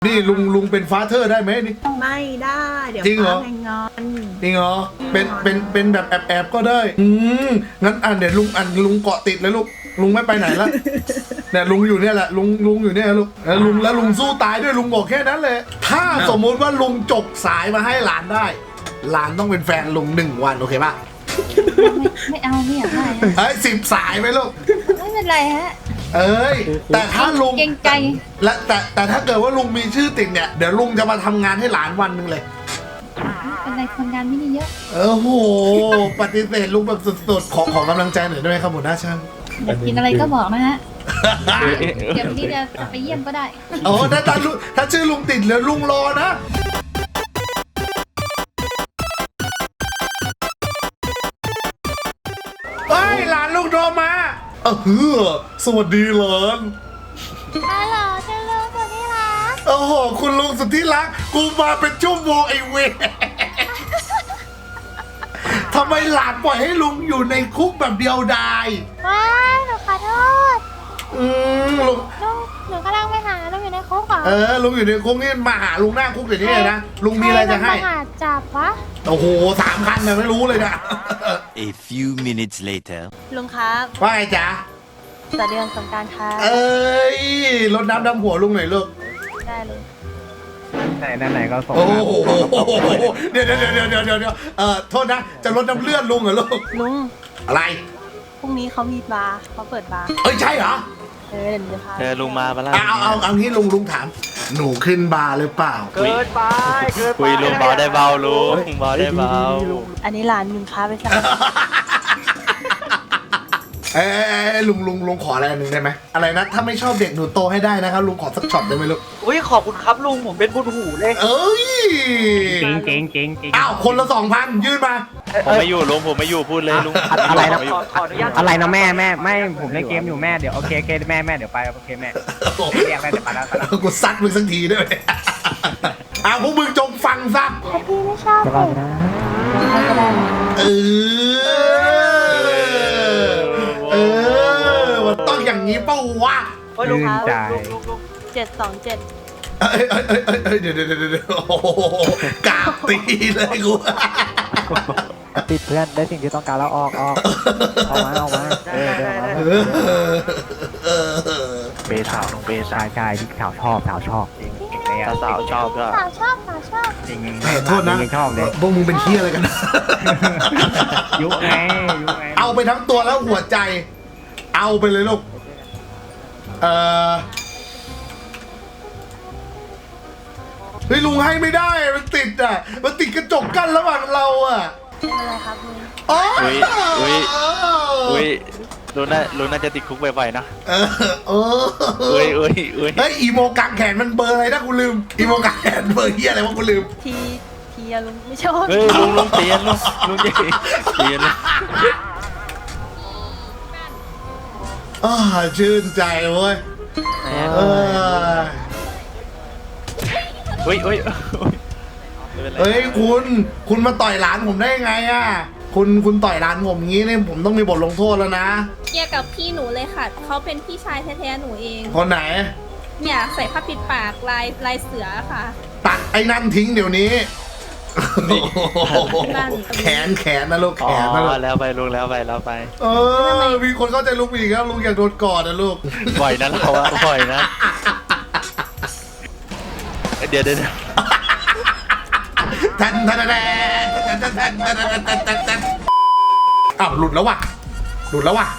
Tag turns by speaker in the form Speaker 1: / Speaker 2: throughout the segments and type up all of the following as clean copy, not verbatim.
Speaker 1: นี่ลุงเป็นฟาเธอร์ได้ไหมนี่
Speaker 2: ไม่ได้เดี๋ยว
Speaker 1: จริงเหรอ
Speaker 2: แพงงอน
Speaker 1: จริงเหรอเป็นแบบแอบก็ได้งั้นเดี๋ยวลุงเกาะติดเลยลูกลุงไม่ไปไหนละเนี่ยลุงอยู่เนี่ยแหละลุงอยู่เนี่ยลูกแล้วลุงสู้ตายด้วยลุงบอกแค่นั้นเลยถ้าสมมุติว่าลุงจกสายมาให้หลานได้หลานต้องเป็นแฟนลุง1 วันโอเคป่ะ
Speaker 3: ไม่เอาไม่อยากได้
Speaker 1: 10 สายไหมลูก
Speaker 3: ไม่เป็นไรฮะ
Speaker 1: แต่ถ้าลุง
Speaker 3: เก่งใจ
Speaker 1: และแต่ถ้าเกิดว่าลุงมีชื่อติดเนี่ยเดี๋ยวลุงจะมาทำงานให้หลานวันหนึ่งเลย
Speaker 3: เป็นไรคนงานไม่ได้เยอะ
Speaker 1: โหปฏิเสธลุงแบบสุดๆขอกำลังใจหน่อยได้ไหมครับหัวหน้าช่าง
Speaker 3: อยากกินอะไรก็บอกนะฮะเดี๋ยววันนี้จะไปเยี่ยมก็ได้
Speaker 1: ถ้าชื่อลุงติดแล้วลุงรอนะหลานลุงโทรมาสวัสดีหลาน
Speaker 3: ฮัลโหลฉันลุงสุดที่รัก
Speaker 1: คุณลุงสุดที่รักกูมาเป็นชั่วโมงไอเวทำไมหลานปล่อยให้ลุงอยู่ในคุกแบบเดียวดาย
Speaker 3: ว้ายหนูขอโทษ
Speaker 1: ลุง
Speaker 3: หนูกำลังไปหาลุงอยู่ในคุกเหรอ
Speaker 1: ลุงอยู่ในคุกนี่มาหาลุงหน้าคุกเดี๋ยวนี้เลยนะลุงมีอะไรจะให้
Speaker 3: จับวะ
Speaker 1: 3 คันนะไม่รู้เลยนะ
Speaker 4: A few minutes later
Speaker 2: ลุงครับ
Speaker 1: ว่าไงจ๊ะ
Speaker 2: ต่อเดือนสงกรานต์ครับ
Speaker 1: รดน้ำดำหัวลุงหน่อยลูก
Speaker 2: ได้เลย
Speaker 5: ไหนก็ส่ง
Speaker 1: เดี๋ยวโทษนะจะลดน้ำเลือดลุงเหรอลูก
Speaker 2: ลุง
Speaker 1: อะไร
Speaker 2: พรุ่งนี้เขามีบาร์เขาเปิดบาร์
Speaker 1: ใช่เหรอ
Speaker 2: เดี๋ยวพา
Speaker 4: ลุงมาแล้ว
Speaker 1: เอางี้ลุงถามหนูขึ้นบาร์หรือเปล่า
Speaker 5: เกินไป
Speaker 4: คุยลุงเบาได้เบาลุงเบาได้เบา
Speaker 2: อันนี้ร้านลุงค้าไปสั่ง
Speaker 1: ลุงขออะไรนึงได้ไหมอะไรนะถ้าไม่ชอบเด็กหนูโตให้ได้นะครับลุงขอสักช็อตได้ไหมลูก
Speaker 5: ขอบคุณครับลุงผมเป็นบุญหูเลยเก่ง
Speaker 1: คนละ 2,000 ยื่นมา
Speaker 4: ผมไม่อยู่ลุงผมไม่อยู่พูดเลยลุง
Speaker 5: อะไรนะขออนุญาตอะไรนะแม่ไม่ผมเล่นเกมอยู่แม่เดี๋ยวโอเคแม่เดี๋ยวไปโอเคแม่เรียกแม่เดี๋ยวไปแล้ว
Speaker 1: กูซัดมึงสักทีด้วยพวกมึงจงฟังซะ
Speaker 3: ถ้าพี่ไม่ชอบเด็กก็ได้
Speaker 1: มันต้องอย่างนี้เป้าวะ
Speaker 2: ลุงครับ727
Speaker 1: เดี๋ยวกาบตีเลยกู
Speaker 5: ติดเพื่อนได้สิ่งที่ต้องการแล้วออกมาเบสาวลงเบสใช่ที่สาวชอบ
Speaker 4: สาวชอบก็
Speaker 5: จริง
Speaker 1: โทษนะ
Speaker 5: ชอบเลย
Speaker 1: พวกมึงเป็นเหี้ยอะไรกัน
Speaker 5: ยุไง
Speaker 1: เอาไปทั้งตัวแล้วหัวใจเอาไปเลยลูกเฮ้ยลุงให้ไม่ได้มันติดกระจกกั้นระหว่างเรา
Speaker 2: อะไรครับลุง
Speaker 4: ลุงน่าจะติดคุกบ่อยๆนะ
Speaker 1: อีโมกางแขนมันเบอร์อะไรนะกูลืมอีโมกางแขนเบอร์เฮียอะไรวะกูลืม
Speaker 2: ทีลุงไม่ชอบ
Speaker 4: ลุงเตียนลุงเตียน
Speaker 1: ชื่นใจเว้ยเฮ้ยคุณมาต่อยหลานผมได้ไงคุณต่อยหลานผมงี้เนี่ยผมต้องมีบทลงโทษแล้วนะ
Speaker 2: เกี่ยวกับพี่หนูเลยค่ะเขาเป็นพี่ชายแท้ๆหนูเอง
Speaker 1: คนไหน
Speaker 2: เนี่ยใส่ผ้าปิดปากลายเสือค่ะ
Speaker 1: ตัดไอ้นั่นทิ้งเดี๋ยวนี้แขนนะลูกแขนนะลูก
Speaker 4: แล้วไปลุงแล้วไป
Speaker 1: มีคนเข้าใจลูกอีกแล้วลุงอยากโดนกอดนะลูก
Speaker 4: บ่อยนะเราบ่อยนะเดี๋ยว
Speaker 1: หลุดแล้วว่ะหลุดแล้วว่ะ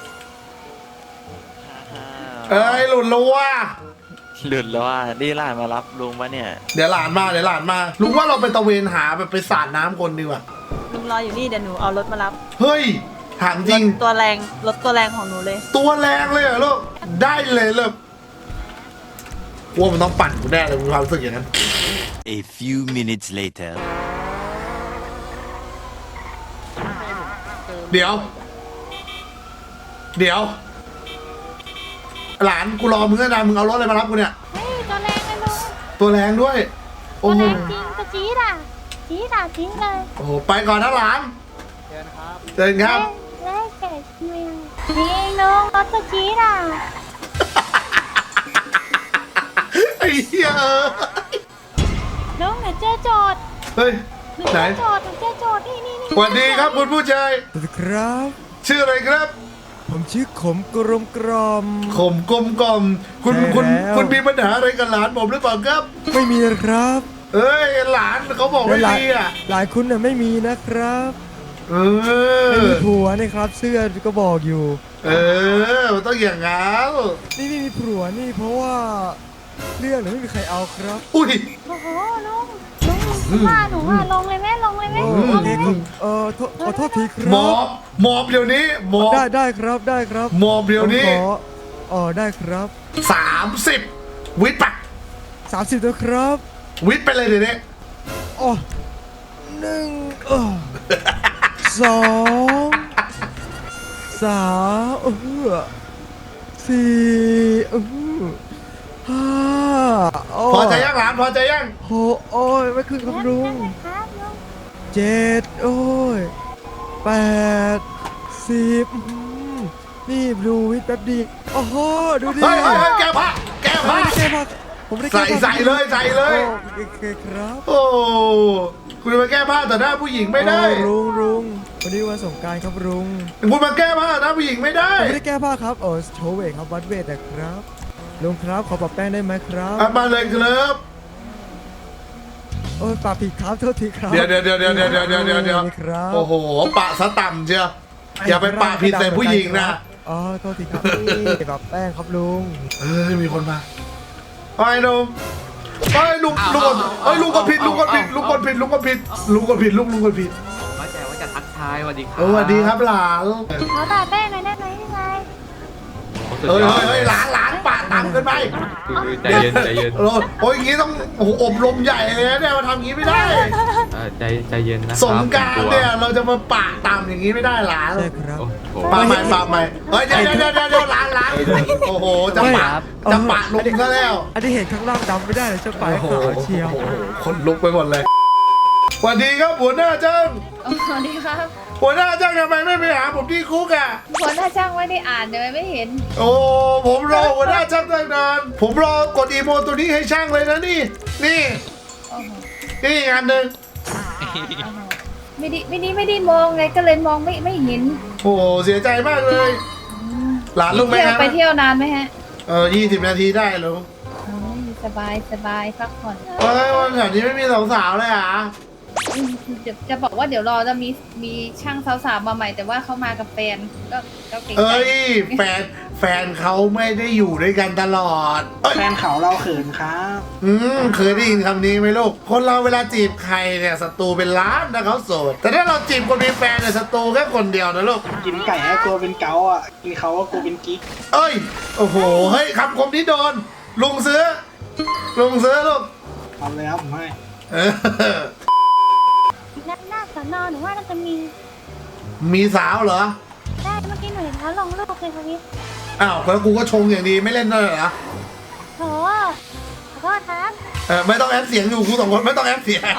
Speaker 4: นี่หลานมารับลุงปะเนี่ย
Speaker 1: เดี๋ยวหลานมาลุงว่าเราไปตะเวนหาแบบไปสาดน้ำคนดีกว่า
Speaker 2: ลุงรออยู่นี่เดี๋ยวหนูเอารถมารับ
Speaker 1: เฮ้ยถามจริง
Speaker 2: รถตัวแรงของหนูเลย
Speaker 1: ตัวแรงเลยเหรอลูกได้เลยเลยว่ามันต้องปั่นกูแน่เลยมีความรู้สึกอย่างนั้น
Speaker 4: A few minutes later
Speaker 1: เดี๋ยวหลานกูรอมึงนะมึงเอารถอะไรมารับกูเนี่ย
Speaker 3: ตัวแรงเลยลุง
Speaker 1: ตัวแรงด้วย
Speaker 3: ตัวแรงจริงจะจี๊ดจริงเลย
Speaker 1: โอ้โหไปก่อนนะหลานเชิญครับ
Speaker 3: เล่เก่งจริงลุงรถจะจี๊ด
Speaker 1: ไอ้เหี้ย
Speaker 3: น้องหนูเจอโจทย์
Speaker 1: เฮ้ย
Speaker 3: หนู
Speaker 1: ไหน
Speaker 3: เจอโจทย์หนูเจอโจทย์นี่
Speaker 1: สวัสดีครับคุณผู้ชาย
Speaker 6: สวัสดีครับ
Speaker 1: ชื่ออะไรครับ
Speaker 6: ผมชื่อขมกรมกรอม
Speaker 1: ขมกลมกล่อมคุณ
Speaker 6: ใช่
Speaker 1: คุณ
Speaker 6: แล้ว
Speaker 1: คุณมีปัญหาอะไรกับหลานผมหรือเปล่าครับ
Speaker 6: ไม่มีนะครับ
Speaker 1: เอ้ยหลานเขาบอกไม่
Speaker 6: หลาย
Speaker 1: มีอ่ะ
Speaker 6: หลายคุณน่ะไม่มีนะครับ
Speaker 1: เอ
Speaker 6: ไม่
Speaker 1: อ
Speaker 6: มีผัวนะครับ เสื้อก็บอกอยู่
Speaker 1: เออมันต้องอย่างงั้น
Speaker 6: นี่ไม่มีผัวนี่เพราะว่าเรื่องเนี่ยไม่มีใครเอาครับ
Speaker 1: อุ้ย
Speaker 3: โอ้โหลุงว่าหนูว่าลงเลยแม่ลงเลยแม่
Speaker 6: โอ
Speaker 3: ลง
Speaker 6: เค
Speaker 3: เลย
Speaker 6: ค
Speaker 3: แม่
Speaker 6: รับขอโทษทีค
Speaker 1: หม
Speaker 6: รั
Speaker 1: อบ หมอบเดี๋ยวนี้หมอบ
Speaker 6: ได้ครับได้ครับ
Speaker 1: หมอบเดี๋ยวนี้
Speaker 6: ผมขอได้ครับ
Speaker 1: 30 วิทย์ปะ
Speaker 6: 30นะครับ
Speaker 1: วิทย์ไปเลยเดี๋ยวนี้
Speaker 6: อ๋อหนึ่งสองสามสี่ห้าโ
Speaker 1: พอใจยังหลานพอใจยัง
Speaker 6: หกโอ้ยไม่ขึ้นครับลุง
Speaker 3: ครับลุง
Speaker 6: เจ็ดโอ้ยแปด10นี่ดูวิทย์แป๊บดีโอ้โหดูดิ
Speaker 1: เฮ้ยเฮ้ยเฮ้ยแก้ผ้าแก้ผ้า
Speaker 6: ไม่ได้แก้ผ้าผมไม่ได้แก้
Speaker 1: ใส่
Speaker 6: ผ้า
Speaker 1: เลยใส่เลย
Speaker 6: โอเคครับ
Speaker 1: โอ้คุณจะมาแก้ผ้าต่อหน้าผู้หญิงไม่ได้
Speaker 6: โอ้ลุงวันนี้วันสงกรานต์ครับลุง
Speaker 1: คุณมาแก้ผ้าต่อหน้าผู้หญิงไม่ได้
Speaker 6: ผมไม่ได้แก้ผ้าครับโชว์เวทครับวัดเวทนะครับลุงครับขอปรับแป้งได้ไหมครับ
Speaker 1: อ่ะมาเลยครับ
Speaker 6: โอ้ยปรับผิดครับโทษทีครับ
Speaker 1: เดี๋ยว
Speaker 6: ครับ
Speaker 1: โอ้โหปะซะต่ำเชียวอย่าไปปะผิดใส่ผู้หญิงนะ
Speaker 6: อ๋อโทษทีครับนี่ปรับแป้งครับลุง
Speaker 1: เอ้ยมีคนมาไอ้หนุ่มไอ้ลุงลุงกดผิดลุงกดผิดลุงกดผิดลุงกดผิดลุงกดผิดลุงกดผิด
Speaker 7: ว่าแต่ว่าจะทักทายสวัสดีครับ
Speaker 1: สวัสดีครับหลาน
Speaker 3: ขอตัดแป้งหน่อยได้ไหมยังไง
Speaker 1: เฮ้ยหลานปะต่ำเกินไป
Speaker 7: ใจเย็นใจเย็น
Speaker 1: โอ้ยอย่างงี้ต้องโอ้โหอบรมใหญ่เลยนะเนี่ยมาทำอย่างงี้ไม่ได้
Speaker 7: ใจเย็นนะ
Speaker 1: สงกรารเนี่ยเราจะมาปะต่ำอย่างงี้ไม่ได้หลาน
Speaker 6: ใช่ครับ
Speaker 7: โอ้โห
Speaker 1: ปะใหม่เฮ้ยเดี๋ยวหลานโอ้โหจะปะลุงซะแล้ว
Speaker 6: อันนี้เห็นข้างล่างดำไม่ได้เลยเจ้าปลายขาวเชียว
Speaker 1: โอ้โหคนลุกไปหมดเลยสวัสดีครับหัวหน้าจ้าง
Speaker 3: สวัสดีครับ
Speaker 1: หัวหน้าจ้างทำไมไม่ไปหาผมที่คุกอ่ะ
Speaker 3: หัวหน้าช่างไม่ได้อ่านเดี๋ยวไม่เห็น
Speaker 1: โอ้ผมรอหัวหน้าช่างตั้งนานผมรอกดอีโมตัวนี้ให้ช่างเลยนะนี่
Speaker 3: โอ้โห
Speaker 1: นี่งานหนึ่ง
Speaker 3: ไม่ได้มองไงก็เลยมองไม่เห็น
Speaker 1: โอ้เสียใจมากเลย หลานลุงไหม
Speaker 3: เที่ยว
Speaker 1: ฮะ
Speaker 3: ไปเที่ยวนานไหมฮะ
Speaker 1: 20 นาทีได้เหรอ
Speaker 3: สบายพักผ่อน
Speaker 1: เฮ้ยวันแถวนี้ไม่มีสาวๆเลยอ่ะ
Speaker 3: จะบอกว่าเดี๋ยวรอจะมีช่างสาวๆมาใหม่แต่ว่าเขามากับแฟนก็เก่งใจ
Speaker 1: เอ้ยแฟนเขาไม่ได้อยู่ด้วยกันตลอดเอ้ย
Speaker 8: แฟนเขาเราเขินครับ
Speaker 1: เคยได้ยินคำนี้ไหมลูก คนเราเวลาจีบใครเนี่ยศัตรูเป็นล้านนะเขาโสด แต่ถ้าเราจีบคนมีแฟนเนี่ยศัตรูแค่คนเดียวนะลูก
Speaker 8: กินไก่ให้กลัวเป็นเกาอ่ะ กินเขาก็กลัวเป็นกิ๊ก
Speaker 1: เอ้ย โอ้โห เฮ้ยคำคมนี้โดน ลุงซื้อลูก
Speaker 8: ทำเลยครับผมให้
Speaker 1: เออ
Speaker 3: หน้าสอนอหนูว่าน่าจะมี
Speaker 1: มีสาวเหรอ
Speaker 3: ได้เมื่อกี้หนูเห็นเขาลงรูปเลยค่ะพี่
Speaker 1: อ้าวแล้วกูก็ชงอย่างดีไม่เล่นด้วยเหรอ
Speaker 3: โถขอโทษครับ
Speaker 1: ไม่ต้องแอปเสียงอยู่กูสองคนไม่ต้องแอปเสียง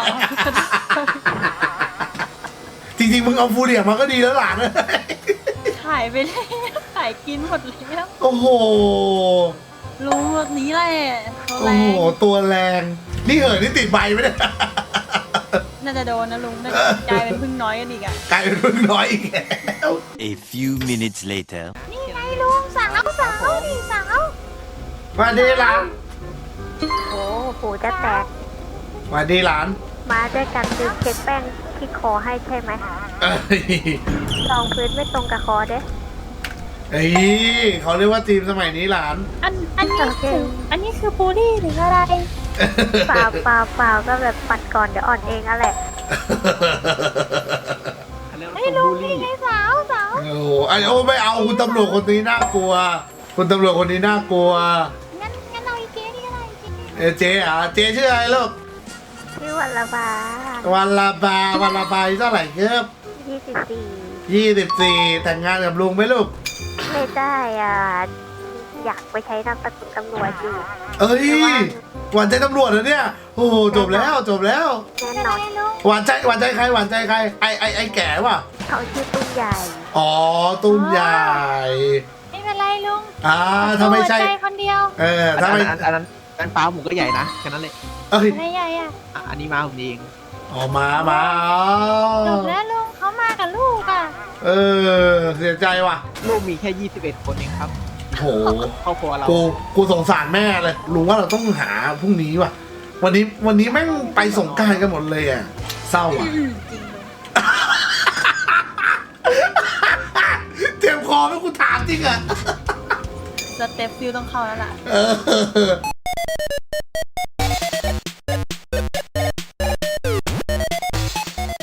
Speaker 1: จริงๆมึงเอาฟูเรียมาก็ดีแล้วหลาน
Speaker 2: ถ่ายไปเลยถ่ายกินหมดแล้ว
Speaker 1: โอ้โห
Speaker 2: ลุงแบบนี้แหละเขา
Speaker 1: โอ้
Speaker 2: แร
Speaker 1: โห
Speaker 2: ง
Speaker 1: ตัวแรง นี่เหอะนี่ติดใบไหมเนี่ย
Speaker 2: น่าจะโดนนะลุงน่าจะกลายเป็นพึ่งน้อยกันอีกอะ
Speaker 1: กลายเป็นพึ่งน้อยอีกแล้ว
Speaker 9: A few minutes later.
Speaker 3: นี่ไงลุงสาวนี่สาว
Speaker 1: มาดีหลาน
Speaker 10: โอ้หูจะแตก
Speaker 1: มาดีหลาน
Speaker 10: มาด้วยกันลืมเช็คแป้งที่คอให้ใช่ไหม
Speaker 1: เอ้ย
Speaker 10: รองพื้นไม่ตรงกับคอเด้
Speaker 1: เอ้ยเขาเรียกว่าทีมสมัยนี้หลาน
Speaker 3: อันนี้คือบูลลี่หรืออะไร
Speaker 10: เปล่าก็แบบปัดก่อนเดี๋ยวอ่อนเองอะแหละ
Speaker 3: ไอ้ลุงนี่ไงสาว
Speaker 1: โอ้โหไอ้โอ้ไม่เอาคุณตำรวจคนนี้น่ากลัว คุณตำรวจคนนี้น่ากลัว
Speaker 3: งั้นเอาอีเจ๊นี่ก็ได้เจ๊
Speaker 1: เจ๊อ่ะเจ๊ชื่ออะไรลูก
Speaker 10: ชื่อวันละบา
Speaker 1: วันละบาอายุเท่าไหร่ครับ 24 แต่งงานกับลุงไหมลูก
Speaker 10: ไม่ได้อ่ะ อยากไปใช้นามสกุลตำรวจอยู่
Speaker 1: เอ้ยหวานใจตำรวจเหรอเนี่ยโอ้โหจบแล้ว
Speaker 10: แน่นอน
Speaker 1: หวานใจใครไอ้แก่ป่ะ
Speaker 10: เขาชื่อตุ้มใหญ่
Speaker 1: อ๋อตุ้มใหญ่
Speaker 3: ไม่เป็นไรลุง
Speaker 1: ถ้าไม่ใช่
Speaker 3: ใจคนเดียว
Speaker 1: ถ้าไม่
Speaker 5: อันนั้นกันฟ้าผมก็ใหญ่นะแค่นั้นเลย
Speaker 1: เอ้ย
Speaker 10: อะไรใหญ่อะ
Speaker 5: อันนี้มาผมเอง
Speaker 1: ออกมามา
Speaker 10: จบแล้วลุงเขามากับลูกอะ
Speaker 1: เออเสียใจว่ะ
Speaker 5: ลูกมีแค่ 21 คนเองครับ
Speaker 1: โห
Speaker 5: ครอบครัวเรา
Speaker 1: กูสงสารแม่เลยลุงว่าเราต้องหาพรุ่งนี้ว่ะ วันนี้แม่งไปสงกรานต์กันหมดเลยอ่ะเศร้าอ่ะ
Speaker 2: จริงเลย
Speaker 1: เจ็บคอไหมกูถามจริงอ่ะ
Speaker 2: สเต็ปฟิลต้องเข้าแล้วล่ะ
Speaker 1: เออ